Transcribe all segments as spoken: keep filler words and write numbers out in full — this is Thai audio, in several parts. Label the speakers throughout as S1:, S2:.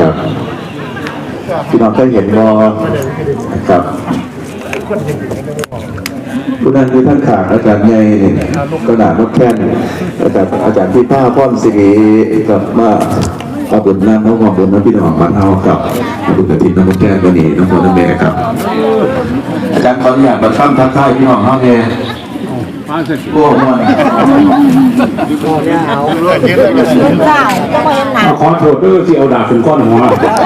S1: นะครับพี่น้องเคยเห็นงอนะครับผู้นั้นคือท่านข่างอาจารย์ใหญ่เนี่ยก็หนานกแค้นอาจารย์อาจารย์พี่ผ้าพ่อนสิริกับมาขอบคุณน้ำน้องขอบคุณน้ำพี่น้องบ้านเฮากับขอบคุณกระถิ่นน้องแก้ววันนี้น้องพ่อน้องแม่ครับอาจารย์ขออนุญาตมาซ้ำทักทายพี่น้องเฮาเนี่ยโอ้โหขอโทษด้วยที่เอาดาบเป็นก้อนหัว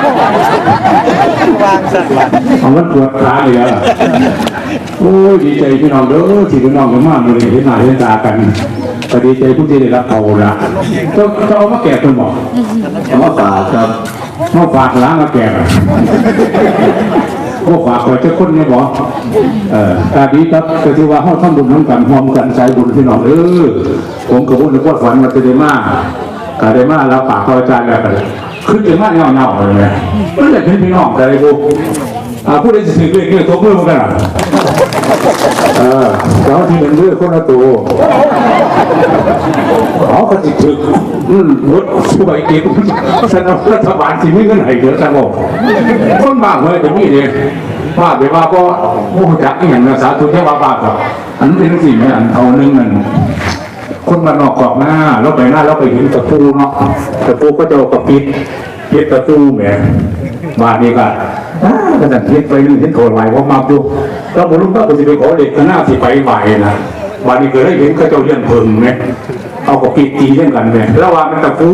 S1: ของมันปวดขาเลยอ่ะโอ้ดีใจพี่น้องเด้อที่พี่น้องกันมากเลยเห็นหน้าเห็นตากันก็ดีใจผู้ที่ได้รับเอาละจะจะเอามาแก่ตัวหมอเอามาฝากครับมาฝากล้างมาแก่มาฝากไว้เจ้าคนเนี่ยบอกเอ่อตาดีครับก็ถือว่าห้องทำบุญน้ำกันหอมกันใจบุญพี่น้องเออผมกับบุญในวัดฝันมาจะได้มากกาได้มากแล้วปากพระอาจารย์แบบขึ้นจะมากเงาเงาเลยนะไม่ได้เป็นพี่น้องแต่ไอ้พวกผู้ใดจะถือเรื่องเรื่องตัวเพื่อนกันเออแล้วที่เป็นเรื่องคนละตัวเขาก็ติดถึกรถผู้ใบเก็บสนับรัฐบาลที่ไม่เงินไหนเยอะจังบอกคนบ้าเลยแต่นี่เนี่ยบ้าไปว่าก็โอ้จักอย่างนะสาธุแค่ว่าบ้าครับอันนี้เป็นสิ่งไม่อันเอาหนึ่งนั่นคนมานอกกรอบหน้าแล้วไปหน้าแล้วไปเห็นตะปูเนาะตะปูก็จะกระปิดปิดตะปูแหมบ้านี่ก็ก็จะเทียบไปนึงเห็นโถไหลว่ามาดูเราบุรุษก็จะไปขอเด็กหน้าสิไปไหวนะวันนี้เคยได้เห็นเขาเจ้าเลี้ยงเพิงไหมเอากับปีตีเล่นกันไหมแล้วว่ามันตะฟู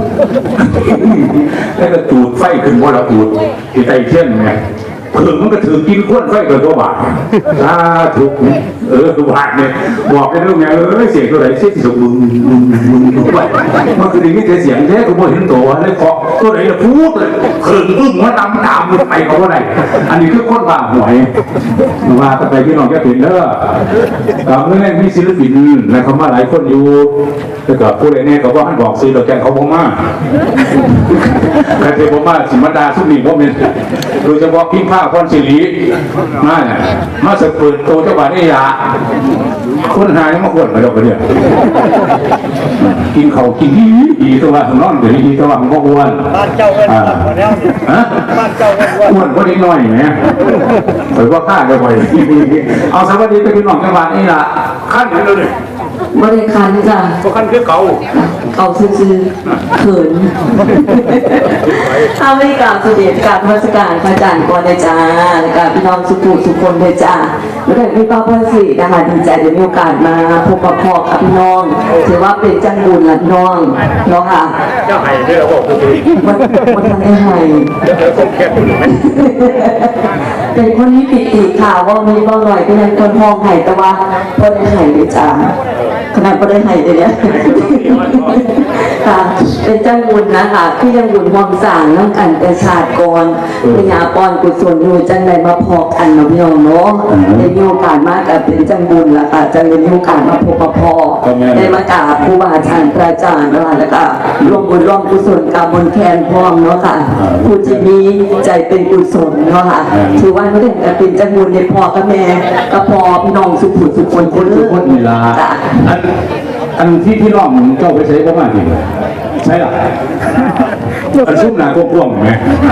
S1: แล้วก็จูดไฟขึ้นบนเราจูดที่ไตเช่นไงเพิงมันก็ถือกินข้นไฟกับตัวบาทถ้าถูกเออบาทเนี่ยบอกได้ด้วยไงเออเสียงตัวไหนเสียงสุกมึงมึงมึงมึงไปมันคืออย่างนี้แต่เสียงแท้ก็ไม่เห็นตัวเลยเคาะตัวไหนจะพูดเลยเพิงอึ้งว่าดำดำไปเขาว่าไหนอันนี้คือคนบ้าหวยมาแต่ไปพี่น้องแค่เห็นเด้อกับเมื่อแรกมีศิลปินและเขามาหลายคนอยู่แต่กับผู้ใดเนี่ยเขาว่าให้บอกซื้อดอกแกงเขาบอกมาใครเป็นบอกมาสิมาดาสุนีพวกนี้โดยเฉพาะพิมพ์ผ้าพรศิริมาเนี่ยมาสเปิดโตเจ้าบ้านนี่ยาคนหายมาขวดมาดอกเนี่ยกินเขากินดีดีตัวว่านอนเดี๋ยวดีตัวว่าของพ่ออ้วนบ้านเจ้าเงินแล้วฮะบ้านเจ้าเงินอ้วนก็นิดหน่อยไหมหรือว่าข้าจะไปเอาสวัสดีไปพี่น้องจังหวัดนี่ละขั้นไหนเลย
S2: บริการจ้ะ
S1: ก็ขั้นคือเก่า
S2: เก่าซื่อเขินถ้าไม่กล่าวสุดเด็ดการราชการพระจันทร์ก่อนเลยจ้ากับพี่น้องสุขุสุขคนเลยจ้าแล้วก็พี่ป้าพ่อสินะคะดีใจได้มีโอกาสมาพบกับพ่อกับพี่น้องถือว่าเป็นจังบุญหลักน้องเนาะค่ะ
S1: เจ้าไห่ที่เราบอกคือ
S2: วันวันทันได้ไห่เป็นคนนี้ปิดอีกข่าวว่ามีบ้างหน่อยก็ยังคนห้องไห่แต่ว่าพอได้ไห่เลยจ้าขนาดก็ได้ไห่เลยเนี่ยค่ะเป็นเจ้าบุญนะคะที่ยังบุญมองสางน้ำกันแต่ชาติก่อนพญาปอนกุศลอยู่จังใดมาพอกันเนาะพี่น้องเนาะได้มีโอกาสมากกับเป็นจังบุญละค่ะจังได้มีโอกาสมาพบกับพ่อได้มากราบครูบาอาจารย์พระอาจารย์นะคะแล้วก็ร่วมบุญร่วมกุศลกับบนแคนพร้อมเนาะค่ะผู้ที่มีใจเป็นกุศลเนาะค่ะถือว่าไม่ได้แต่เป็นจังบุญในพ่อกับแม่กับพ่อพี่น้องสุขุสุขคนคน
S1: ทุกคนนี่ละอันที่พี่น้องเจ้าไปใช้ประมาณนี้ใช่หรออันซุ่มหนากว้างไหม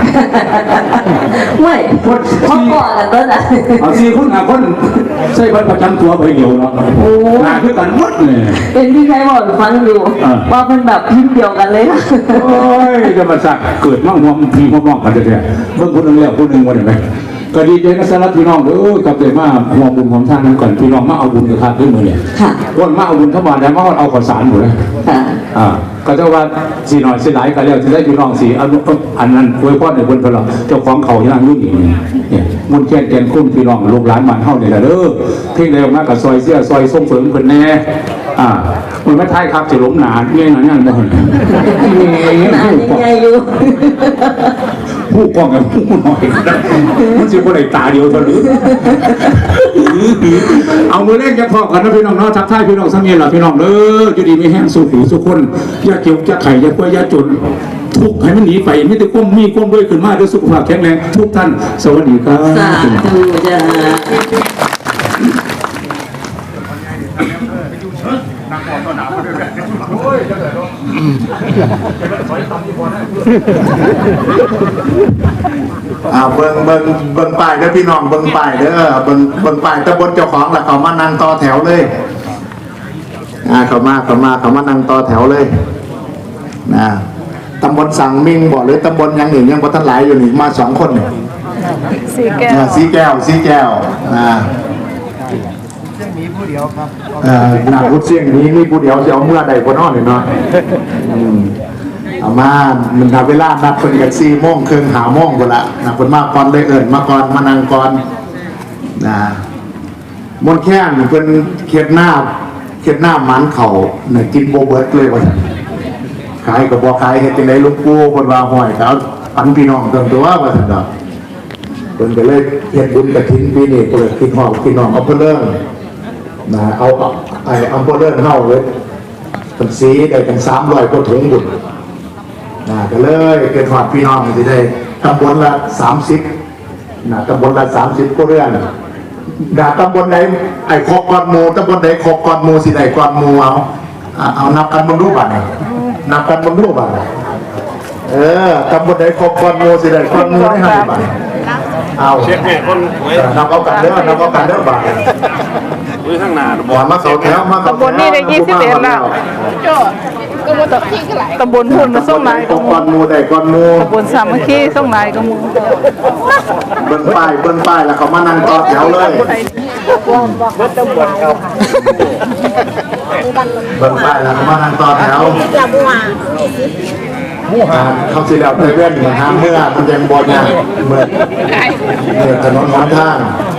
S2: ไม่เขาก่อนแล้วก็นะ
S1: เอาซีคนหนาคนใช่ประจำตัวไปเดียวเนาะหนาคือกันหมดเลย
S2: เป็นที่ใช้บอกฟังอยู่ว่าเป็นแบบพิมพ์เดียวกันเลย
S1: โอ้ยจะมาสักเกิดมั่งมองพีมั่งมองกันเถอะเมื่อคนนึงแล้วคนนึงวันไหนก็ดีใจนะสำหรับพี่น้องเด้อกับใจมากมองบุญของท่านนั้นก่อนพี่น้องมาเอาบุญกับท่านด้วยมือเนี่ยวันมาเอาบุญทั้งวันแล้วมาเอาข้าวสารหมดเลยอ่าก็เจ้าว่าสีหน่อยสีหลายก็แล้วจะได้พี่น้องสีอันอันนั้นอวยพรในบนพลังเจ้าของเขาย่างยุ่งอย่างนี้เนี่ยมุนแค่แกนคุ้มพี่น้องลูกหลานมันเท่าเนี่ยเด้อเพ่งเร็วมากกับซอยเสี้ยซอยส้มเฟิงคนแน่อ่ามันไม่ท้ายครับจะล้มหนาเงี้ยหน่อยนั่นบ่น
S2: ใหญ่อยู่
S1: ผู้กองกับผู้หน่อยมันจะคนไหนตาเดียวเท่านี้เอามือเล่นจะพอกันนะพี่น้องเนาะทักทายพี่น้องสังเกตหรอพี่น้องเด้อจะดีไม่แห้งสู้หูสู้คนยาเกี่ยวยาไข่ยาป่วยยาจนทุกให้มันหนีไปไม่ได้ก้มมีก้มด้วยขึ้นมาด้วยสุขภาพแข็งแรงทุกท่านสวัสดีครับ
S2: สาธุจ้า
S1: นักบอลต้นหนาวมาด้วยกันโอ้ยเจ้าเอ๋ย
S3: อ่าเบิ่งเบิ่งเบิ่งป้ายเด้อพี่น้องเบิ่งป้ายเด้อเบิ่งเบิ่งป้ายตำบลเจ้าของแล้วเขามานั่งต่อแถวเลยอ่าเขามาเขามาเขามานั่งต่อแถวเลยนะตำบลสังมิงบ่หรือตำบลยังหนึ่งยังบ่ทันหลายอยู่นี่มาสองคนนี่
S4: สีแก้ว
S3: อ่าสีแก้วสีแก้วอ่าเอ่อหน้าพุทธเสียงนี้มีผู้เดียวจะเอาเมื่อใดบ่นอนนี่เนาะอืมเอามามันนับเวลานัดเพิ่นกันสี่โมงครึ่งหาโมงพุ่นละนะเพิ่นมาก่อนเลยเอิ้นมาก่อนมานั่งก่อนนะมนต์แค้นเพิ่นเขียดหน้าเขียดหน้าหมันเข่าน่ะกินบ่เบิดเลยว่าซั่นขายก็บ่ขายเฮ็ดจังได๋หลวงปู่เพิ่นว่าห้อยเขาปันพี่น้องเติมตัวว่าซั่นดอกเพิ่นก็เลยเฮ็ดบุญกฐินปีนี้เพิ่นคิดฮอดพี่น้องเอาเพิ่นเริ่มนะเอาไอ้อำเภอเริ่มเฮาเลยเพิ่นสีได้กันสามร้อยกว่าถุงบุญนะก็เลยเกิดฮอดพี่น้องสิได้ตำบลละสามสิบนะตำบลละสามสิบก็เรื่องดาตำบลไหนไอ้ครบก่อนหมู่ตำบลไหนครบก่อนหมู่สิได้ก่อนหมู่เอาอ่ะเอานับกันบนรูปบัตรนับกันบนรูปบัตรเออตำบลไหนครบก่อนหมู่สิได้ก่อนหมู่ได้ห้าบาทเอาเช็คเนี่ยคนนับเอากันเด้อนับเอากันเด้อบาทอุ้ยข้างหน้าบ่มาเขาแถวมาเขา
S4: ตำบลนี่ได้ยี่สิบเอ็ดแล้วตำบลพุ่นมาส่งนาย
S3: ครบก่อนหมู่ได้ก่อนหมู่
S4: ตำบลสามัคคีส่งนายกับหมู
S3: เบิ้งป้ายเบิ้งป้ายแล้วเขามานั่งต่อแถวเลยเบิ้งป้ายแล้วเขามานั่งต่อแถวอ่าเขาสิแล้วไปเว้นหาเมื่อมันยังบ่ยากเมื่อเมื่อถนนหนทาง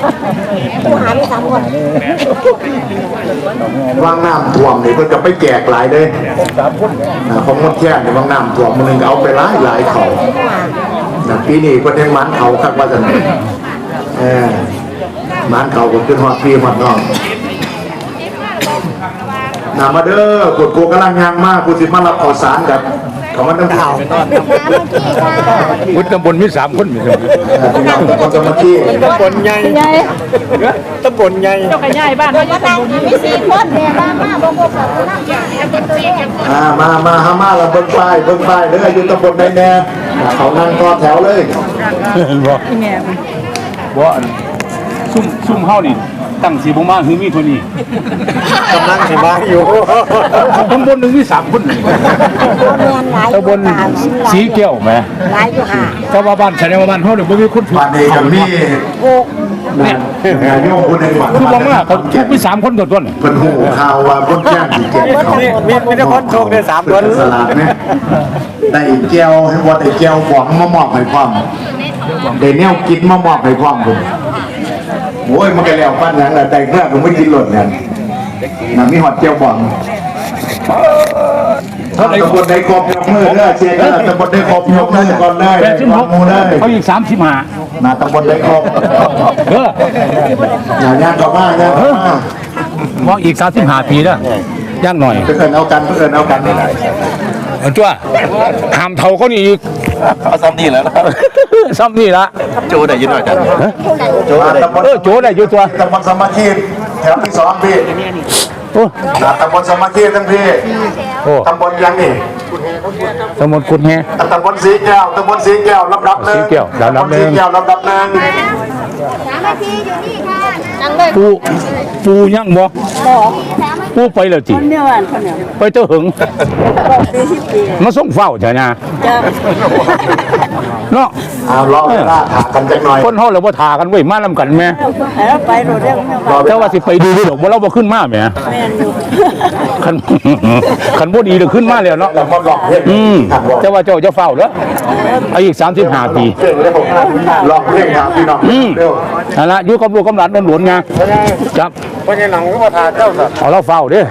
S3: ว่างน้ำท่วมนี่เพิ่นก็ไปแจกหลายเด้อ่าของมดแค่นี่ว่างน้ำท่วมมันนึงก็เอาไปหลายหลายเขานะปีนี้เพิ่นยังมันเขาคักว่าซั่นเออมันเขาก็ขึ้นฮอดพี่ฮอดน้องนามาเด้อกดกูกำลังยางมากกูสิมารับข่าวสารกันเขามันต้องข่าว
S1: วุฒิตำบลมีสามคนมีสามคน
S3: พี่น้องคนสมาธิ
S4: ตำบลใหญ่ใหญ่
S1: ตำบลใหญ่
S4: เจ้าขยายบ้านเขาจะตำบลนี้
S3: อ่ามามาฮามาเราเบิ้งป้ายเบิ้งป้ายเด้ออยู่ตำบลใดแน่เขานั่งต่อแถวเลย
S1: บ่
S4: ที่แง่
S1: บ่อันซุ่มซุ่มเฮานี่ตั้งสีบ่มาคือมีเท่านี้
S3: กำลังสิมาอยู่
S1: ตำบลหนึงมีสามคนนี่ตำบลสีแก้วแหม
S5: หลายอยู่ค่ะ
S1: แต่ว่าบ้านแสดงว่าบ้านเฮานี่บ่มีคนถูก
S3: บ้านนี้กับมี
S1: เนี่ย
S3: โยมคนหนึ่งบ้าน
S1: คือบ่มาเขาถูกมีสามคนตัวต้น
S3: เพิ่นหูข่าวว่าคนแจ้งสิเจ็บเขา
S5: มีมีแต่คนโชคได้สามคน
S3: สลาดไหมได้แก้วให้ว่าได้แก้วหวังมามอบให้พร้อมได้แนวกินมามอบให้พร้อมผมโอ้ยมันก็แล้วปั้นหยังแหละแต่เพื่อนผมไม่กินหล่นเนี่ยน่ะมีหอดแก้วบ่องถ้าตำบลใดครบยกมือเด้อเชียร์เด้อตำบลใดครบยกมือก่อนเลย
S1: แปดสิบหก
S3: มูเลย
S1: เขาอีกสามสิบห้า
S3: น่ะตำบลใดครบ
S1: เออ
S3: อย่างงานต่อมาเนี่ย
S1: ว่าอีกสามสิบห้าปีแล้วย่างหน่อย
S3: เพื่อนเอากันเพื่อนเอากันนี่แหละ
S1: เอาจ้าห้ามเท่าเขานี่อีก
S5: เอาซ้ำนี่แล้ว
S1: ซ้ำนี่ละ
S5: โจได้ยินหน่อยจ้ะโจได้
S3: ตำบล
S1: เออโจได้อยู่ตัว
S3: ตำบลสมาธิแถวที่สองพี่
S1: โอ้
S3: น่ะตำบลสมาธิทั้งพี่
S1: โอ้
S3: ตำบลยังนี่
S1: ตำบลกุดแฮ
S3: ตำบลสีแก้วตำบลสีแก้วลำดับหนึ่ง
S1: สีแก้วลำดับหนึ่ง
S3: ตำบลสีแก้วลำดับหนึ่ง
S1: ปูปูย่างบ่ปูไปแล้วจี
S4: คนเดียวอันคนเดียว
S1: ไปเจ้าหึง
S4: ปีสิบปี
S1: มาส่งเฝ้าใช่ไหม
S4: จะ
S1: เนาะ
S3: เอารอเวลาถามกันจักหน่อย
S1: คนเฮาเราบ่ทากันเว้ยมานํกันแม่
S4: ให้เราไปโดดเรื่องแม่
S3: รอเว
S1: แต่
S3: ลา
S1: ว่าสิไปดูดอกบ่เราบ่ขึ้นมาแหม
S4: นอยู่
S1: คัน คันบ่ดีเดี๋ยวขึ้นมาแล้วเนาะ
S3: เรามาหลอกเพื่อน
S1: อืม
S3: ครับ
S1: แต่ว่าเจ้าจะเฝ้าเด้ออายุสามสิบห้าปี
S3: เก่งเลยผมหลอกเพื่อนครับพี่น้อง
S1: อืม
S3: เร็ว
S1: นั่นละอยู่กับลูกกับหลานหลวนๆไงครับ
S3: เพราะฉะนั้นก็มาทานเจ้าสัตว์
S1: เอาเราเฝ้าเด้อ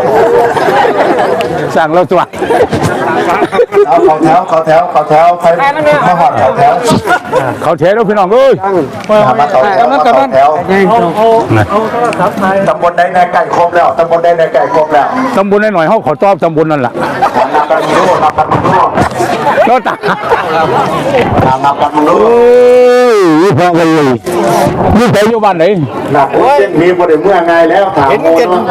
S1: สั่งเราตัว
S3: เอาขอแถวขอแถวขอแถวใครมาหอดขอแถว
S1: เขาเทแล้วพี่น้องเอ้ย
S3: มาขอแถวมาขอแถว
S1: นะ
S3: ตำบลใดในไก่ครบแล้วตำบลใดในไก่ครบแล้ว
S1: ตำบลหน่อยๆเฮาขอตอบตำบลนั่นล่ะ
S3: นับกันดูนับกันดู
S1: โตตา
S3: ตามนับกันมึงรู้
S1: โอ้ยพอกันเลยนี่ไปอยู่บ้านไหน
S3: หนักเส้นมีบ่ได้เมื่อไงแล้วถามโมเนาะ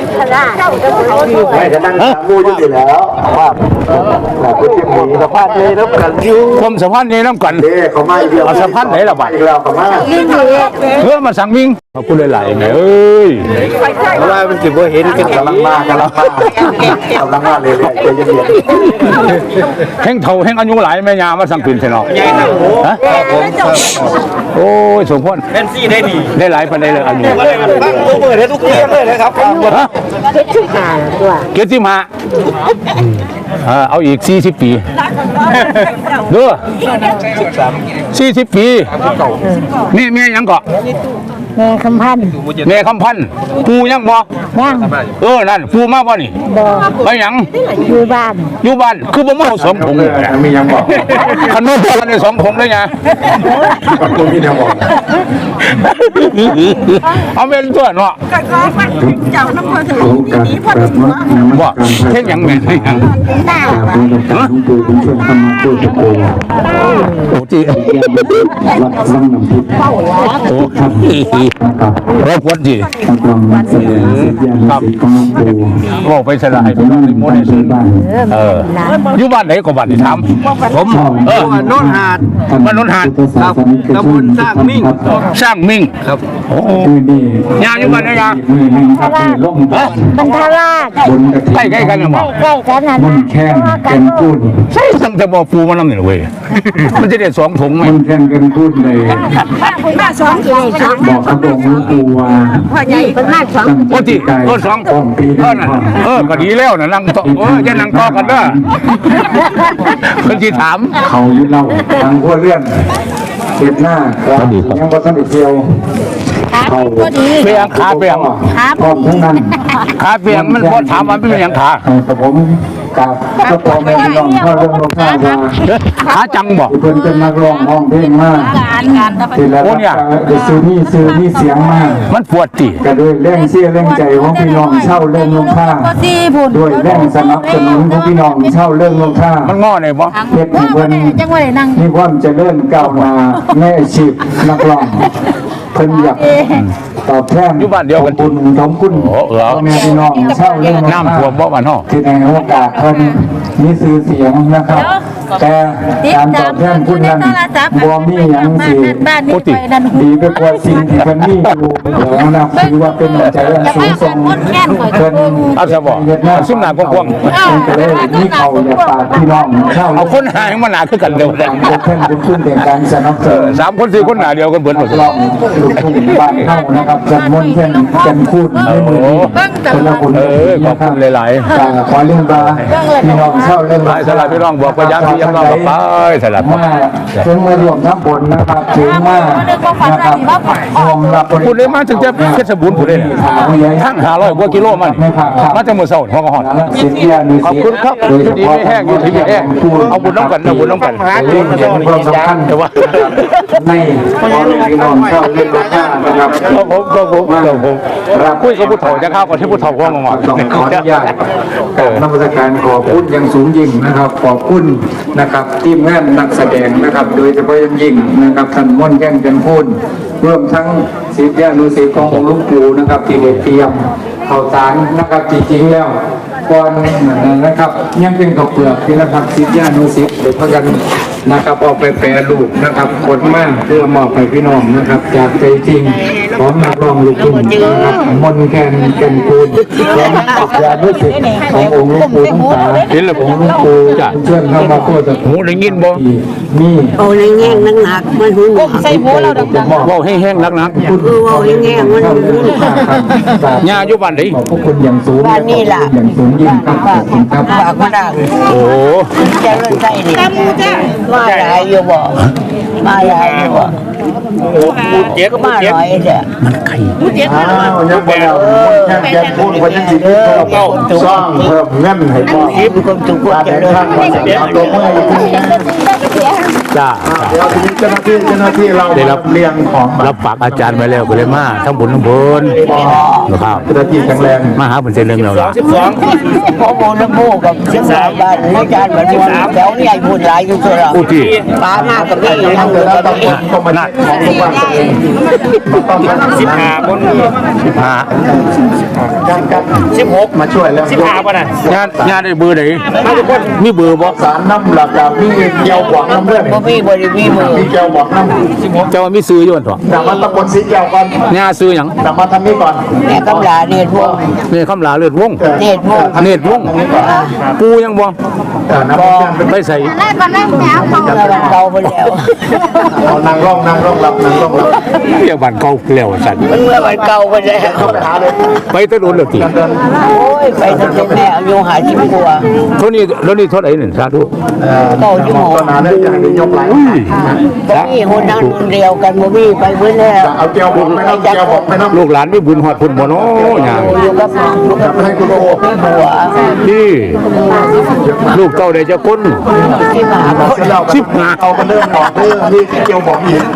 S3: ไม่จะนั่งถามมูอยู่ดีแล้วว่าหนักเส้นมีสภาพเลยรับกันอยู่
S1: ผมสัมพันธ์นี่น้ำกัน
S3: เด้เขามาอีกแล้ว
S1: เอาสะพานไหนล่ะบัด
S3: อีกแล้วเขามา
S1: เพื่อมาสั่งวิ่งขอบคุณหลายๆแม่เอ้ย
S5: เพราะว่ามันสิบ่เห็นกัน
S3: กำลังมากำลังมากำลังมาเลยใจเย็น
S1: แห้งเท่าแห้งอายุหลายแม่ยามาสั่งปิ่นใช่เนาะฮะโอ้ยสมพร
S5: เป็นซี่ได้ดี
S1: ได้หลายปันได้เลยอายุ
S5: ฟังโอเวอร์ได้ทุกเรื่องเลยนะครับ
S1: ฮะเกียรติมาอ่าเอาอีกสี่สิบปีเด้อสี่สิบปีนี่แม่ยังเกาะ
S4: แม่คำพันธ์
S1: แม่คำพันธ์ปูยังบอก
S4: ย่าง
S1: เออนั่นปูมาบ่นี่
S4: บ่
S1: ไปหยัง
S4: อยู่บ้าน
S1: อยู่บ้านคือบ่มาเอาสองผงเลย
S3: ๆมียังบอก
S1: คันโน้นพอกันในสองผงเลยไง
S3: คุณพี่ยังบอก
S1: เอาเป็นตัวเนาะ
S4: เจ้าน้ำมันถึง
S6: โอกาสกราบนมัส
S1: บ่
S6: การพระ
S1: เช่นหยังแม่นหยัง
S4: หน้าก
S6: ราบนมัสการหลวงปู่คุณชวนธรรมะโคตรโก
S1: โอ้จี
S6: วัดวังน้ำพุ
S1: โอ้ครับ
S6: นะครับ
S1: รบกวนจี
S6: นักร้องนักแสดงศิษยานุศิษย์ของหลวงปู่
S1: บอกไปสลาย
S6: ผมนั่ง
S1: โม
S6: บ้าน
S1: เดล
S6: ซื้อบ้าน
S1: เอออยู่บ้านไหนก็บ้านที่ถามผมเออ
S5: โน่นหาด
S1: บ้านโนนหาด
S6: พุทธศาสนิกชน
S5: ตำบลสร้างมิ่ง
S6: ครับ
S1: สร้างมิ่ง
S5: ครับ
S1: โอ้
S6: คือนี่
S1: ยาอยู่บ้านไหนยา
S6: มือหนึ่งครับมือล่ม
S1: ฮะ
S4: บรรทาราช
S6: บนกระถิ่น
S1: ใกล้ๆกันนะหมอ
S4: ใกล้กันนั่น
S6: มันแค้นแกนพูด
S1: ใช่ตั้งแต่บอกปูมานำเนี่ยเว้ยมันจะได้สองถุงไหม
S6: มันแค้นแกนพูดเลย
S4: มาสองเลยสอง
S6: บอกกระบอกหลวงปู่ว่า
S4: พ่อใหญ่เป็นมาสอง
S1: โอ้ที่เออสอง
S6: ต้นปี
S1: เอ
S6: นี้
S1: อนั่นเออก็ดีแล้วนะนั่งต่อเออจะนั่งต่อกันเด้อคนที่ถาม
S6: เขายึดเราทางขั้วเลื่อนเสียบหน้าครับยังบ่ทันได้เที่ยวเขา
S1: เปียงขาเปียง
S6: พร้อมทั้งนั้น
S1: ขาเปียงมันพอถามมันเป็นอย่างขา
S6: แต่ผมกับก็พอแม่พี่น้องพ่อเรื่องลงข้าวว่า
S1: ขาจังบอก
S6: เพิ่นเป็นนักร้องห้องเพลงมาก
S4: การการ
S6: ทีแล้วก็ได้ซื้อนี่ซื้อนี่เสียงมาก
S1: มันปวดจี
S6: ก็ด้วยแรงเสียแรงใจของพี่น้องเช่าเรื่องลงข้าว
S4: สี่พุ่น
S6: ด้วยแรงสนับสนุนของพี่น้องเช่าเรื่องลงข้าว
S1: มันงอเนี่ยบ่
S6: เฮ็ดให้เพิ่น
S4: จังหวะนั่ง
S6: มีความเจริญก้าวหน้าในอาชีพนักร้องเพิ่นอยากตอบแทน
S1: อยู่บ้านเดียวกัน
S6: ขอบคุณขอบคุณ
S1: โอ้เออ
S6: พ่อแม่พี่น้องเช่าเรื่อง
S1: น้ำท่วมบ่บ้านห้อ
S6: ที่ในโอกาสเพิ่นมีชื่อเสียงนะครับ แต่การตอบแทนคุณนั้นบ่มีหยังสิ
S4: บ้านนี้ไปนั่น
S6: ดีไปกว่าสิ่งที่เพิ่นมีอยู่แล้วนะถือว่าเป็นน้ำใจอันสูงส่งเพิ่น
S1: เอาซะบ่
S6: เฮ็ดหน้า
S1: ซุ่มหน้ากว้าง
S6: เพิ่นก็เลยมีเขาอยากฝากพี่น้องเช่า
S1: ๆเอาคนหาให้มันหนาคือกันเดียวกัน
S6: การยกแท่นบุญคุณแห่งการสนับสนุน
S1: สามคนสี่คนหนาเดียวกันเบิดหมด
S6: ลองลูกทุ่งบ้านเข้านะครับจัดมนต์แท่นกันคูดในมือนี้คนละคน
S1: เออขอบคุณหลายๆ
S6: การขอเรื่องบาพี่น้องเช่าเรื่อง
S1: หลายสลับพี่น้องบอกว่าย้ำที่ย้ำเราไปสลับ
S6: มาถึงมารวมน้ำบนนะครับถึงมานะครับรวมรับบริ
S1: พูดเลยมาถึงจะเพชรบูรณ์พูดเลยทั้งห้าร้อยกว่ากิโลมันมาจากเมืองเซาหัวกระหอน
S6: สิทธิานุ
S1: ขอบ
S6: สิท
S1: คุณ
S6: ธิ์
S1: ครับอยู่ดีไม่แห้งอยู่ที่ไม่แห้งเอาบุญน้ำกันเอาบุญน้ำกัน
S6: เรื่องเห็นความสำคัญ
S1: แต่ว่า
S6: ในพี่น้องเช่าเรื่องราคานะครับ
S1: ครับผมครับผมครับผม
S6: รับ
S1: คุยกับผู้เฒ่าจะเข้าก่อนที่ผู้เฒ่าพ่อมาหมด
S6: ต้องขออนุญาตกับนักวิชาการขอบคุณอย่างสูงยิ่งนะครับ ขอบคุณนะครับทีมงานนักแสดงนะครับ โดยเฉพาะอย่างยิ่งนะครับท่านม่อนแก้งกันพูนรวมทั้งศิษยานุศิษย์ขององค์หลวงปู่นะครับที่ได้เตรียมข่าวสารนะครับจริงๆแล้วก่อนนะครับยังเป็นข้าวเปลือกที่นะครับศิษยานุศิษย์เดี๋ยวพากันนะครับเอาไปแปรรูปนะครับกดมาเพื่อมอบให้พี่น้องนะครับ จากใจจริงของนักร้องลูกทุ่งนะครับมนต์แคนแก่นคูณและศิษยานุศิษย์ขององค์หลวงปู่ทั้งสาม
S1: เห็นแล้วผม
S6: องค์หลวงปู่เชิญเข้ามาโคตร
S1: หูได้ยินบ่
S6: มี
S7: โอ้ยแง่งนักหนักๆมันหุ่น
S4: ใส่หัวเราดัง
S6: มอบ
S1: ว่าให้แห้งนักนัก
S6: คุณ
S7: เออโอ้ยแง่งมัน
S6: เข้า
S7: หุ่น
S6: รู้ค่าครับ
S1: ญาอยู่บ้านไหน
S6: ขอบพระคุณอย่างสูง
S7: บ้านนี่ล่ะ
S6: อย่างสูงยิ่งครับขอบคุณครับ
S7: ปากมาดัง
S1: โอ้
S7: ใจเลื่อนใจดิมาหลายอยู่บ่มาหลายอยู่บ่
S5: เจ๊ก็
S7: มา
S5: เจ๊
S7: หลายเด้อ
S6: อ้าวยังบ่แล้วแค่แกพูดว่าจะสิเก้าสร้างเพิ่มเงินให้พ่อ
S7: คิดความสุขความเจริญ
S6: ทางวันเอาตัวเมื่อย
S1: จ้า
S3: เดี๋ยวทีนี้เจ้าหน้าที่เจ้าหน้าที่เรา
S1: ได้รับ
S3: เรียงของ
S1: รับฝากอาจารย์ไว้แล้วก็เลยมาทั้งบุญทั้งบุญนะครับ
S3: เจ้าหน้าที่แข็งแรง
S1: มาหาผลเส้นเรื่องเราละ
S5: สิบสอง
S7: พ่อโมน้ำมูกกับสิบสามบ้านอาจารย์แบบนี้แถวนี้ใหญ่บุญหลายอยู่ตัวเรา
S1: ผู้ที่
S7: ปลามากกับพี่ยังเหลือ
S3: แล้ว
S7: กับ
S3: ต้อง
S7: พี่
S3: ต้องมาเช็คของทุกวันตัวเองต้องมา
S5: สิบห้าบน
S1: สิบห้า
S3: การการ
S5: สิบหก
S3: มาช่วยแล้ว
S5: สิบห้าป่ะน่ะ
S1: งานงานได้เบอร์ไหนมีเบอร์บ่
S3: สารน้ำหลักกับมีเกียวหวังน้ำเรื่อง
S7: บ่มีบริวีมือ
S3: มีเกียวหวังน้ำ
S1: เจ้าว่ามีซื้ออยู่บ่
S3: แต่มาตำบลสีเกียวก่อน
S1: งานซื้อหยัง
S3: แต่มาทำนี้ก่อน
S7: แม่กำลาเรียนวง
S1: นี่คำลาเลือดวง
S7: เนตรวง
S1: เนตรวงปูยังบ่
S3: แต่น้ำมันเป็น
S1: ไปใส่
S7: เราเก่าไปแล้ว
S3: เอานางร่องนางร่องรับนางร่องรับ
S1: เรียกบ้านเก่าแล้วสั่น
S7: มันเมื่อวันเก่าไปแล้ว
S3: เข้าไปหาเลย
S1: ไปแตะโดนแล้วติ
S3: เดิน
S7: โอ้ยไปตั้งแต่แม่อายุหาสิบกว่า
S1: เท่านี้แล้วนี่เท่าไหร่นี่สาธุ
S3: เอ่อต้นนาเนี่ยอย่างนี้ยกไหล
S7: บ่มีคนนั้นคนเดียวกันบ่มีไปเบิ่แล้ว
S3: เอาเกียวบอกไม่น้ำเกียวบอกไม่น้ำ
S1: ลูกหลานมีบุญฮอดพุ่นบ่เนาะหยัง
S7: อยู่กับอยู่กับ
S3: ให้คุณโอ้
S7: ผัว
S1: นี่ลูกเต้าได้จะคน
S7: ที่มา
S3: เสร็จแล้วสิบห้าเอามาเริ่มบอกเรื่องที่เกียวบอกอีก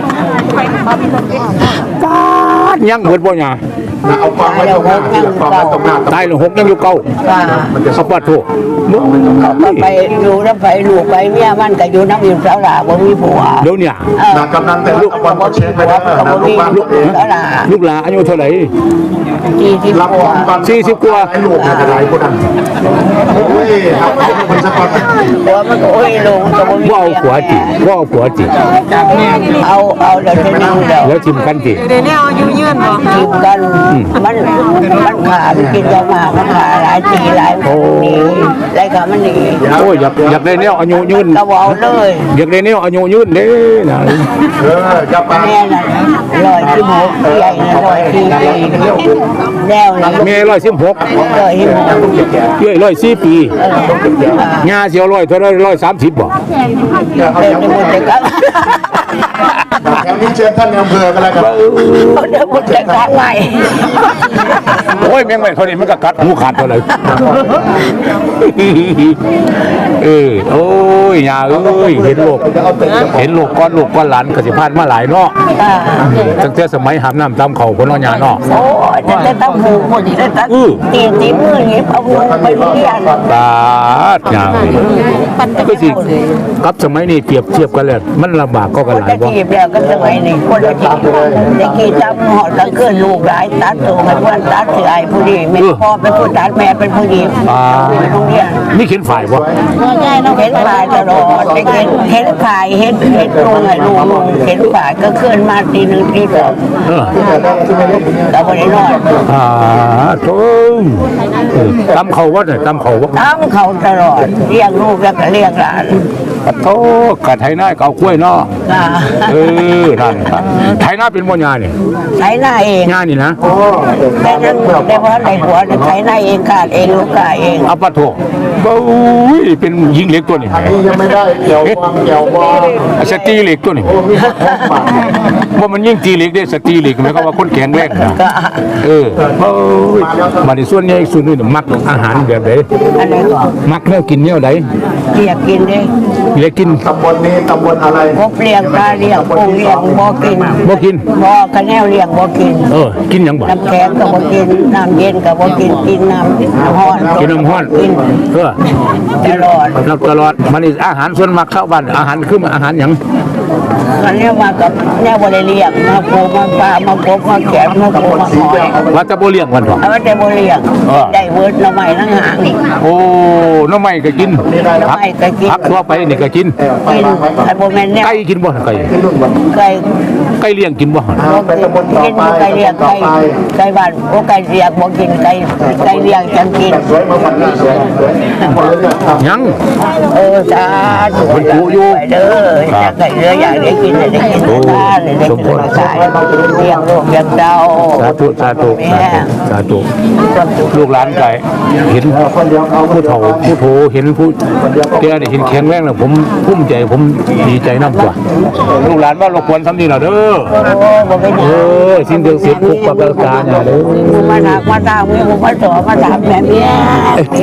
S1: ยังเบิดบ่หยัง
S3: เอาความไว้ตรงหน้าความไว้ตรงหน้า
S1: ตายแล้วหกยังอยู่เก่า
S7: ว่า
S1: เขาปัดโทษ
S7: ก็ไปอยู่น้ำไปลูกไปเมียมันก็อยู่น้ำอยู่สาวหลาบ่มีผัว
S1: เดี๋ยวเนี่ย
S3: นางกำนันแต่ลูกบอลเขาเช็คไปแล้วนะลูกบ้านลูกเอง
S7: สาวหลา
S1: ลูกหลานอายุเท่าไหร่
S7: ที่ที่
S3: รับ
S7: ผั
S3: คว วามบ้าน
S1: สี่สิบกว่า
S3: ไอ้ลูกเนี่ยจะได้คนนั้นโอ้ยครับคนสักคน
S7: ผัวมันก็โอ้ยลงก็บ่มี
S1: ว่าเอาผัวจิว่าเอาผัวจิ
S7: เอาเอาเดี๋ยวจะนึงเดี๋ยว
S1: แล้วทิมกันจิ
S7: ทีมกันมันมันขาดกินยามามันขาหลายปีหลายหนีหลายขามันหนี
S1: โอ้ยอยากอยากได้แนวอายุยืน
S7: ก็เอาเลย
S1: อยากได้แนวอายุยืนเด้นะ
S3: เออจะไป
S7: แม่น่ะลอยที่หกใหญ่น่ะลอยที่แนวน่ะ
S1: เมย์ร้อยสิบหก
S7: ลอยที่หก
S1: เย้ยร้อยสี่ปีงาเสียวร้อยเท่าไรร้อยสามสิบบ่
S7: เดินในมุดเด็กก็
S3: แถวนี้เชิญท่านในอำเภอกันแล้วกัน
S7: เดินมุดเด็กก็ใหม่
S1: โอ้ยแม่งไม่เท่านี้มันก็กัดหูขาดเท่าไรเออโอ้ยยาเอ้ยเห็นโลกเห็นโลกก้อนโลกก้อนหลานกสิพานมาหลายเนาะตั้งแต่สมัยหามน้ำตามเขาคนน้อยาเนาะ
S7: โอ้ยจะได้ตั้งหูคนนี้ได้ตั้งตีตีมืออย่างนี้เอาหูไปเรียน
S1: บาดยาวก็สิกับสมัยนี้เปรียบเทียบกันเลยมันลำบากก็กันหลาย
S7: จะ
S1: บ่
S7: กีบแล้วก็สมัยนี้คนละจีบจะกีบจำหอดตั้งคืนลูกหลายตัดตัวมันวันตัดถือไอ้ผู้ดีแม่พ่อเป็นผู้ตัดแม่เป็นผู้ดีไปโรงเรียน
S1: นี่เขียนฝ่ายบ่
S7: เห็นฝ่ายตลอดเห็นเห็นฝ่ายเห็นเห็นลุงไอ้ลุงลุงเห็นฝ่ายก็เคลื่อนมาตีหนึ่งตีสอง
S1: เออ
S7: เราไม่ได้นอน
S1: อ่าโถ่เออตำเขาวัดน่ะตำเขาวัด
S7: ทำเขาตลอดเลี้ยงลูกแล้วก็เลี้ยงหลาน
S1: โถ่กะไทยหน้าเกากล้วยเนาะ
S7: อ่า
S1: เออนั่นครับไทยหน้าเป็นบ่ยานี่
S7: ใช้หน้าเอง
S1: ยานี่นะ
S7: แต่นั้นได้เพราะในหัวใช้หน้าเองขาดเองลูกกาเอง
S1: อัปปะโถบู๊ยเป็นยิงเหล็กตัวนี้
S3: นี่ยังไม่ได้เกี่ยววางเกี่ยววาง
S1: สตีเหล็กตัวนี้ว่ามันยิ่งตีเหล็กได้สตีเหล็กหมายความว่าคนแข็งแรงนะ
S7: ก็
S1: เออโอ้ยมาในส่วนนี้ส่วนนี้มักอาหารแบบไหน
S7: อันนี้ก็
S1: มักแนวกินแนวใด
S7: เรียกกินดิ
S1: เหล็กกิน
S3: ตำบลนี้ตำบลอะไร
S7: พบเลี้ยงปลาเลี้ยงปูเลี้ยงบ่กิน
S1: บ่กิน
S7: บ่กระแนวเลี้ยงบ่กิน
S1: เออกินหยังบ่
S7: น้ำแข็งก็บ่กินน้ำเย็นก็บ่กินกินน้ำน้ำร้อน
S1: กินน้ำห้อน
S7: กิน
S1: เออ
S7: ตลอด
S1: รับตลอดมันนี่อาหารส่วนมากเข้าบ้านอาหารคืออาหารหยัง
S7: อันนี้มากับแนวบ่ได้เลี้ยงมาปูมาปลามาปบมาแขนมาปูมาหอย
S1: ว่าจะบ่เลี้ยงมันบ่
S7: เอาไว้แต่บ่เลี้ยงได้เวิร์ดหน่อไม้ทั้งหางนี่
S1: โอ้น้ำไม้ก็กิน
S7: หน่อไม้ก็กิน
S1: ผักทั่วไปนี่ก็กิน
S7: กินไอ้บ่แม่นแนว
S1: ไก่กินบ่ไก่
S7: ไก่
S1: ไก่เลี้ยงกินบ่
S3: ไปตำบลต่อ
S7: กิน
S3: ไป
S7: ไก่เลี้ยง
S3: ต่อ
S7: ไก่
S3: ไป
S7: ไก่บ้านโอ้ไก่เลี้ยงบ่กินไก่ไก่เลี้ยงจังกิน
S3: สวยมาวันนี้สวยสวยคนละเรื่องครับ
S1: ยัง
S7: เออจ้าถูกอยู่เด้อจะไก่เรืออยากได้กินได้กินได้ได้กินมาขายเลี้ยงลูกเลี้ยงเต้า
S1: สาธุสาธุสาธุสาธุลูกหลานไก่เห็น
S3: คนเดียวเขา
S1: ผู้เฒ่าผู้โถเห็นผู้แก่นี่เห็นแข็งแรงแล้วผมภูมิใจผมดีใจนำตัวลูกหลานว่ารบกวนซ้ำนี่ล่ะเด้อ
S7: โอ้บ่เป็น
S1: เออสิ่งเดียวเสียคุกปรับการอย่าเด้อ
S7: มาถามมาถามมีผมมาสอนมาถามแม่เมีย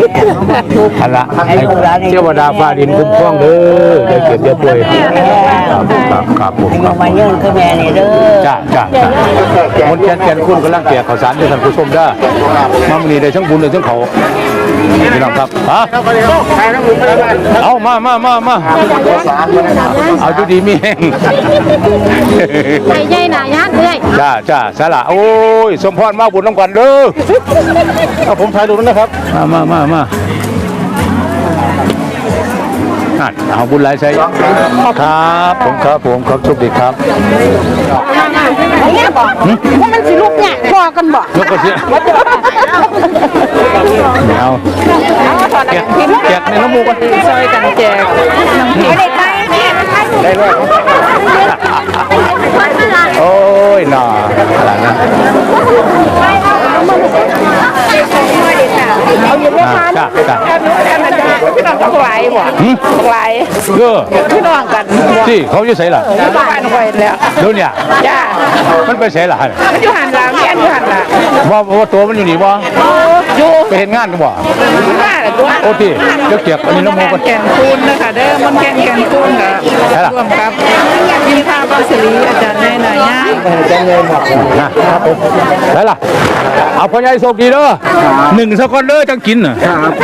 S1: อันละให้เทวดาฟ้าดินคุ้มครองเด้ออย่าเจ็บอย่าป่วย
S8: ครับครับผม
S7: อา
S8: ค
S7: ยุ
S8: รับ
S7: มายืนคือแม่นี่เด้อ
S8: จ้าจ้าจ้าคนแก่นแก่นคุณกำลังเปียกข้าวสารด้วยท่านผู้ชมได้มาวันนี้ได้ทั้งบุญได้ทั้งเขาพี่น้องครับฮะเอามามามามาเอาดูดีมีแห้ง
S4: ไอ้ใหญ่หน่ายานเอ้ย
S8: จ้าจ้าสาระโอ้ยสมพรมาบุญน้ำกันเด้อเอาผมถ่ายรูปนะครับมามามามานั่นเอาบุญหลายใช้ครับผมครับผมครับโชคดีครับ
S4: เนี่ยบอกว่ามันสิลูกเนี่ยพอกันบอก
S8: ยกกระเสียไม่เอาแจกแจกในน้ำมูกกันซอยกันแจกได้ไหมได้เลยโอ้ยหน่าอะไรนะ
S4: เอาอยู่ไม่ทัน
S8: จ้าจ้า
S4: พี่น้องต้องไหวบ่ไหว
S8: เออ
S4: พี่น้องกัน
S8: ที่เขาจะใส่ล่ะ
S4: บ้านไหวแล้ว
S8: เดี๋ยวเนี่ย
S4: จ้า
S8: มันไปใส่ล่ะ
S4: มันอยู่หันหลังเมียนอยู่หันหลัง
S8: ว่าว่าตัวมันอยู่นี่บ่
S4: อยู่
S8: ไปเห็นงานกันบ่
S4: บ้านละตัว
S8: โอ้ที่เจ้าเกียบอันนี้น้ำมูกกัน
S4: แก่นคูณนะคะเด้อมันแก่นแก่นคูณค่ะร่วมกับยินภาพศิริอาจารย์แม่นายย่า
S8: นะครับผมได้ล่ะเอาพ่อใหญ่โชคดีเด้อหนึ่งสักคนเด้อจังกินน่ะ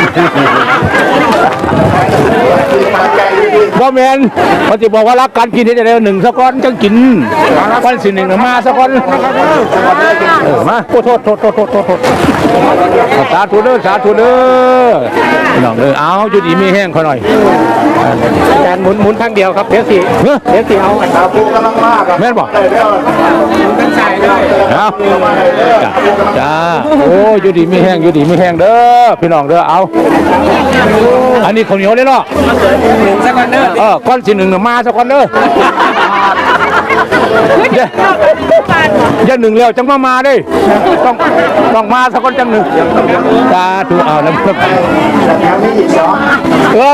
S8: ว่าแมนเขาจะบอกว่ารักการกินที่จะได้หนึ่งสักคนจังกินวันสิหนึ่งมาสักคนเออมาโทษโทษโทษโทษโทษโทษสาธุเด้อสาธุเด้อน้องเด้อเอาจุดอีมีแห้งเขาหน่อยอาจารย์หมุนหมุนทางเดียวครับเดี๋ยวสิเดี๋ยวสิเอา
S3: ครับผู้กำลังมากครับ
S8: แม่นบอก
S3: ได้แล้วเป็นชายได้
S8: เอาจ้าจ้าโอ้ยอยู่ดีไม่แห้งอยู่ดีไม่แห้งเด้อพี่น้องเด้อเอาอันนี้ข้าวเหนียวเลยเนาะสักวันเด้อเออก้อนสิหนึ่งมาสักวันเด้ออย่าอย่าหนึ่งแล้วจังมามาดิต้องต้องมาสักคนจังหนึ่งจ้าถูกเอาแล้วเออ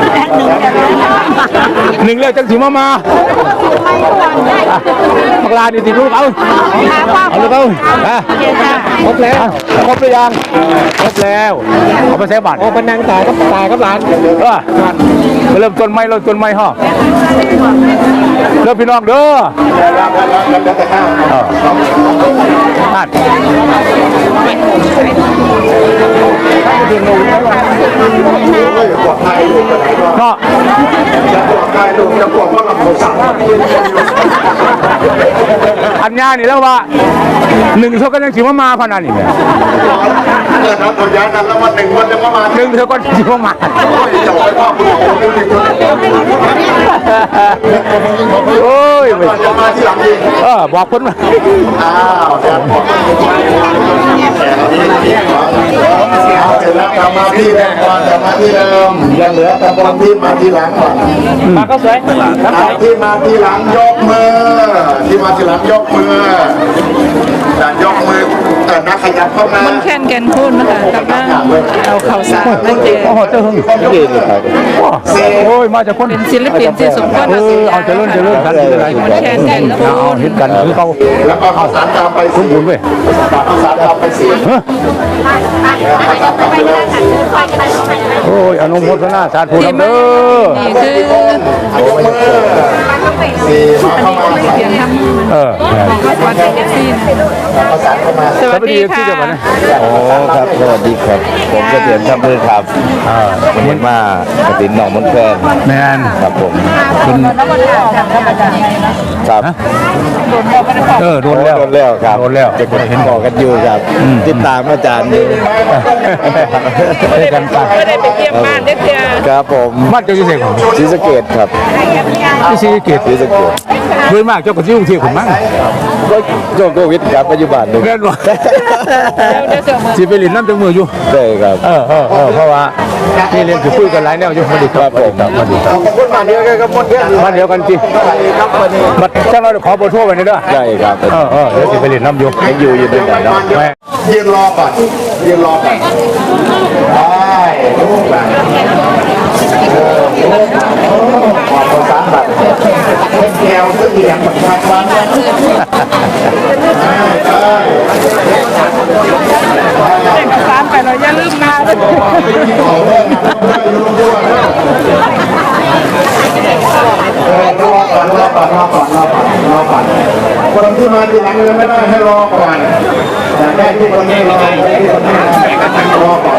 S8: หนึ่งแล้วจังสิมามาบักลาดีสิลูกเอาเอาลูกเอาครบแล้วครบหรือยังครบแล้วเอาไปใช้บัตรโอ้เป็นนางตายก็ตายกับหลานเออเริ่มต้นไม้เริ่มต้นไม้ห่อเริ่มพี่น้องเด้อนั่นเนาะ
S3: จะปลอดภัยลูกจะปลอดเพราะเราสามารถยืนยันอยู่
S8: อันยานี่แล้วว่าหนึ่งเท่ากันยังสิมามาพนันนี่แหละ
S3: เออครับตัวย้ายกันแล้ววันหนึ่งวันจะประมาณ
S8: หนึ่งเท่ากันสิมามา
S3: จะไปพ่อคุณผมดูดิคุณ
S8: โอ้ย
S3: จะมาที่หลังยิง
S8: เออบอกคนมา
S3: อ้าวแดดผมเอาเสร็จแล้วกลับมาที่แรกก่อนกลับมาที่เดิมยังเหลือตะบนที่มาที่หลังก่อน
S8: มาก็สวย
S3: ที่มาที่หลังยกมือที่มาที่หลังยกมือการยกมือเออนักขยับเข้ามา
S4: มันแค่นแก่นคูณนะคะกำลังเอาข่าวสารมาแจก
S8: โอ้โหเจ้าหึงโอ้ยมาจากคน
S4: เป็นศิลปินที่สมควร
S8: เออเอาเจริญเจริญกันเจริญอะไร
S4: มันแค่นแก่นคู
S8: เอา
S4: ณ
S8: เห็นกันคือเขา
S3: แล้วก็ข้าวสารตามไป
S8: คุ้มบุญเว้ย
S3: ข้าวสารตามไปสี่
S8: เฮ้ย
S3: ข้าวสารตามไปเลย
S8: โอ้ยอนุโมทนาสาธุ
S4: ที่
S8: นำ
S4: มา
S8: เด้อ
S4: นี่คือย
S3: กมือสี่มาเข้ามา
S4: เพียงทำ
S8: เออ
S4: วันเด็กซี่
S3: ข้าวสารเข้ามา
S4: สวัสดีค่ะ
S9: โอ้ครับสวัสดีครับผมเกษียณครับเพื่อนครับวันนี้มากฐินหนองมนแคน
S8: แมน
S9: ครับผม
S8: คุณ
S9: ครับ
S8: เออโดนแล้ว
S9: โดนแล้วครับ
S8: โดนแล้ว
S9: จะคนเห็นบอกกันอยู่ครับ ติดตามอาจารย์อยู่
S8: ได้กันไป
S4: ไม่ได้ไปเยี่ยมบ้านเด็กเพีย
S9: ครับผม
S8: บ้านเจ้าที่เสกของ
S9: ศรีสะเกดครับ
S8: ที่ซีเกต
S9: ศรีสะเกด
S8: โดยมากเจ้าก็ที่กรุงเทพผมมั้ง
S9: ก็ช่วงโควิดครับปัจจุบันนี้
S8: แม่นว่า
S4: เดี๋ยวเสือมือ
S8: สิไปเรียนน้ำจังมืออยู่
S9: ได้ครับ
S8: เออเออเออเพราะว่าที่เรียนคือคุยกันหลายแนวอยู่สวัสดีครับผมสวัสดีครับ
S3: ขอบคุณมาเดียวกันกับมดเยอะ
S8: บ้านเดียวกันจริง
S3: ครับวันนี้
S8: บัดเจ้าเราขอเบอร์โทรไว้หน่อยเด้อ
S9: ได้ครับ
S8: เออเออเดี๋ยวสิไปเรียนน้ำอยู่
S9: ยังอยู่อยู่ด้วยกันเนาะ
S8: แม่
S3: ยืนรอก่อนยืนรอก่อนได้ลูกหลานขอประสานบัตรแก้วซึ่งเหลี่ยมทางวันได้ได้
S4: เอกสารไปเราอย่าลืมมาเลย
S3: ต่อเรื่องนะไม่รู้ด้วยเออรอก่อนรอรอก่อนรอก่อนรอก่อนคนที่มาทีหลังยังไม่ได้ให้รอก่อนแต่ได้ที่คนนี้รอที่คนนี้รอก่อน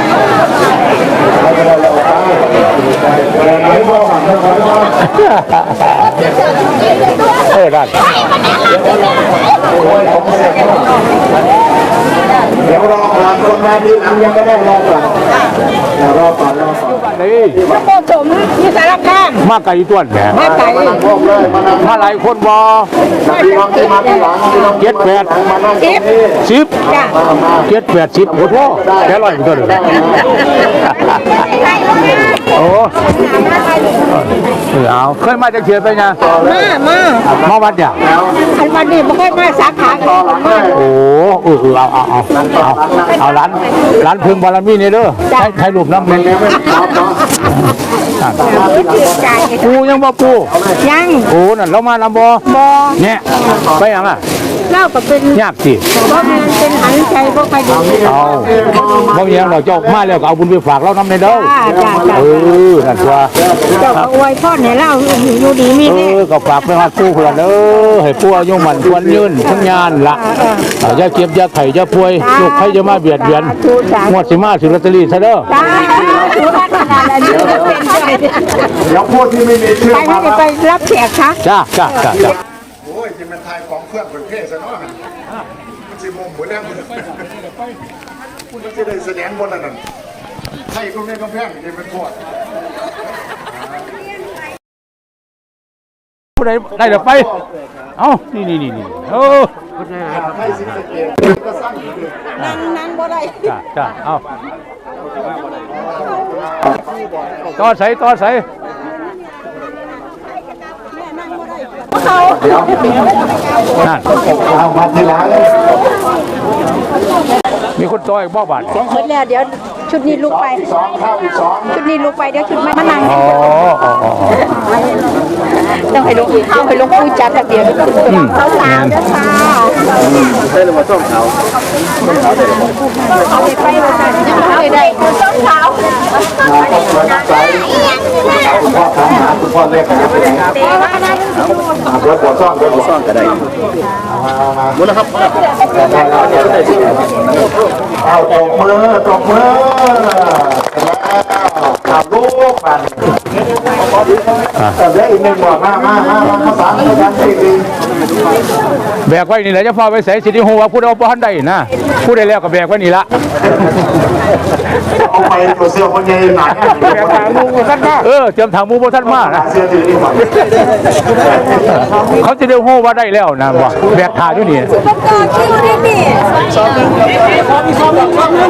S3: ไหนบอกก่อนนะครับ
S8: เออได้
S3: เดี๋ยวรอก่อนคนมาทีหลังยังไม่ได้รอก่อนเดี๋ยวรอก่อนรอก่อน
S8: นี่
S7: พระโกสมที่สารคาม
S8: มาไก่ต้วนแหม
S7: มาไก่
S3: พวกเลยมานั่ง
S8: มาหลายคนบ่
S3: พี่น้องที่มาทีหลังพี่น้อง
S8: เจ็ดแปด
S3: มานั่งตรงนี้
S8: สิบ
S7: จ้ะ
S8: เจ็ดแปดสิบโอ้โหแค่ร้อยก็เด้อโอ้เออเอาเคยมาจากเชียร์ไปไง
S7: มามา
S8: มาวัดเนี่ย
S7: อันวันนี้ไม่ค่อยมาสาขาก่อนมา
S8: โอ้เออเออเอาเอาเอาเอาเอาร้านร้านพึงบารมีนี่เด้อใช้ใช้รูปน้ำมัน ปูยังบ่ปู
S7: ยัง
S8: โอ้นั่นเรามาลำบ่
S7: บอ
S8: เนี่ยไปยังอ่ะ
S7: เล่าก็เป็น
S8: ยากสิ
S7: เพราะมันเป็นหันใจเพราะใครดี
S8: เอาบ่มีหยังเราเจ้ามาแล้วก็เอาบุญไปฝากเรานำในเด้อ
S7: จ้าจ้าจ้า
S8: เออนั่นตัว
S7: เจ้าก็อวยพ่อเนี่ยเล่าอยู่ดีมี
S8: เอ
S7: แน่
S8: อก็ฝากไปฮอดปู่เพิ่นเด้อให้ปู่อายุมั่นควรยืนทั้งญาณละอย่าเก็บอย่าไข้อย่าป่วยลูกใครจะมาเบียดเบียนงวดสิมาสิลอตเตอรี่ซะเด้อ
S7: จ้าถูกขนาดนั้นเป็นใจ
S3: เดี๋ยวพูดที่ไม่มีชื่อ
S7: ไป
S3: มา
S7: ไม่ได้ไปรับแขกคะ
S8: จ้าจ้าจ้าจ้า
S3: โอ้ยที่มันทายของเครื่องประเภทซะเนาะมันสิมุมหมดแล้วมันจะได้แสดงบนนั้นน่ะไทยตรงนี้ก็แพงนี่เป็นพวก
S8: ผู้ใดได้เดี๋ยวไปเอ้านี่นี่นี่นี่เออ
S3: ไทยสิสะเกษก็สร้างอยู่ดี
S7: นั่งนั่งบ่ได้
S8: จ้าจ้าเอาต่อใส่ต่อใส่
S7: เขา
S8: นั่น
S3: เอามาทีหลัง
S8: มีคนต่ออีกบ่บาท
S7: หมดแล้วเดี๋ยวชุดนี้ลุกไป
S3: สองข้าวอีกสอง
S7: ชุดนี้ลุกไปเดี๋ยวชุดไม่มานั่ง
S8: อ๋ออ๋ออ๋อ
S7: ต้องให้ลุกต้องให้ลุกคุยจัดระเบียบเขาสาวเด้อค่ะเอาไปไปมาเอาไปได้ส้มขาว
S3: มาก็มาใส่คุณพ่อทำหาคุณพ่อเรียกนะครับ
S7: เตะว่านั่น
S3: เดี๋ยวปวดซ่อนเดี๋ยวปวดซ่อนก็ได้มามาหมดแล้วครับเอาตบมือตบมือแล้วขับลูกมันแต่เดี๋ยวอีกหนึ่งบอกมามามามาภาษาภาษาสี่ดี
S8: แบกไว้นี่แหละจะพาไปใส่สิริฮูว่าพูดเอาบ่ทันได้นะพูดได้แล้วก็แบกไว้นี่ละ
S3: เอาไปตัวเสื้อคนใหญ่หนาแบกทางมูกันได้
S8: เออเตรียมถามหมูบ่ทันมานะ
S3: เสื้อสีนี้หมด
S8: เขาจะได้ฮู้ว่าได้แล้วนะว่าแบกขาอยู่นี่
S7: ก็คิวนี่นี่
S3: โชคดีโชค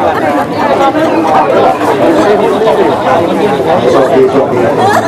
S3: ดี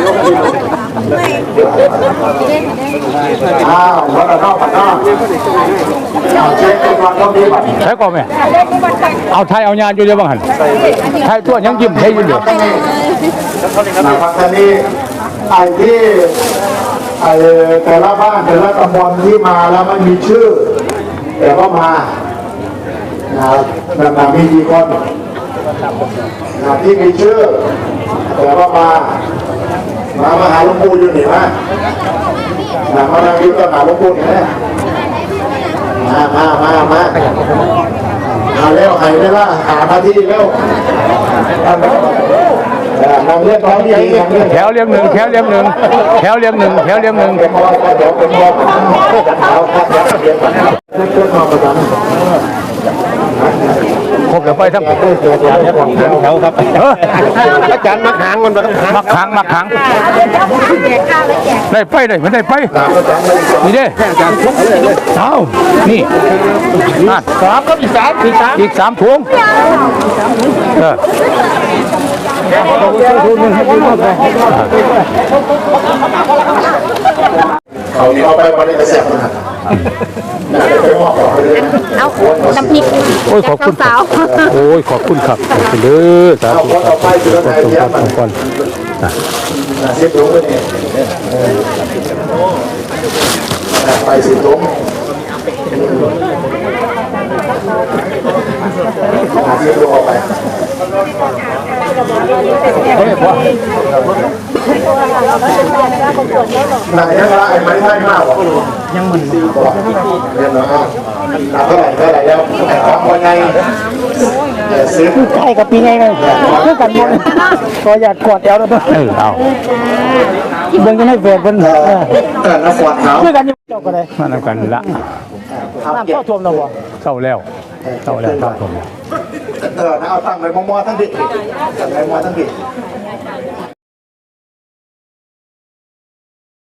S3: อ้าววันละนอกวันนอกเอาเช็คก่อนต้องดีก่อน
S8: ใช่ก่อนแม่เอาไทยเอาญาณอยู่เดี๋ยวบังหันไทยตัวยังยิ้มไทยอยู่เดี๋ยว
S3: นะครับท่านนี้ไอ้ที่ไอ้แต่ละบ้านแต่ละตำบลที่มาแล้วไม่มีชื่อ แต่ก็มานะครับแบบมีกี่คนนะที่มีชื่อ แต่ก็มา มามาหาหลวงปู่อยู่นี่นะนะมานั่งยิ้มก็หาหลวงปู่นี่นะมามามามาเอาเร็วใครได้ละหามาที่เร็วนำเรียกร้องดีๆนำเรียก
S8: แถวเรียงหนึ่งแถวเรียงหนึ่งแถวเรียงหนึ่งแถวเรียงหนึ่ง
S3: เป็นมอเดี๋ยวเป็นมอเอาครับเดี๋ยวเดี๋ยวเพื่อนมาประจำ
S8: ครบแล้วไปทั้งแถวครับเออ
S3: อาจารย์มักหางมัน
S8: มักขังมักขังได้ไปได้ไม่ได้ไปนี่เด้เอานี่นั่น
S3: สามก็อีกสามอีกสาม
S8: อีกสามถุงเออ
S3: เขาเอาไปบริษัทนะไปมอบไปเลย
S7: เอาน้ำพริก
S8: โอ้ยขอบคุณครับโอ้ยขอบคุณครับขอบคุณเด้อสา
S3: เอา
S8: ธุ
S3: คนเอาไปจุดไหนเทียบมัน
S8: ก่อน
S3: เสียบถุงไปนี่ไปสิบถุงเสียบถุงออกไปหนังยังละไอ้ไม้ไทยมากกว่ายังมันสี่กว่าเรียนแล้วเท่าไหร่เท่าไหร่แล้วแต่ของคนไงซื้อ
S10: ใช่กับปีไงไงเพื่อกันหมดก็อยากกอดแอวแล้วเออเอาเบิ่งจะให้เฟดเพิ่นเออ
S3: เออแล้วฟอดเขา
S10: เพื่อกันอยู่เจ้าก็ได้
S8: มานำกันละ
S10: น้ำเข้าท่วมแล้วบ่
S8: เข้าแล้วเข้าแล้วเข้าผม
S3: เออเอาตั้งไปมอมอทั้งดิตั้งไปมอทั้งดิ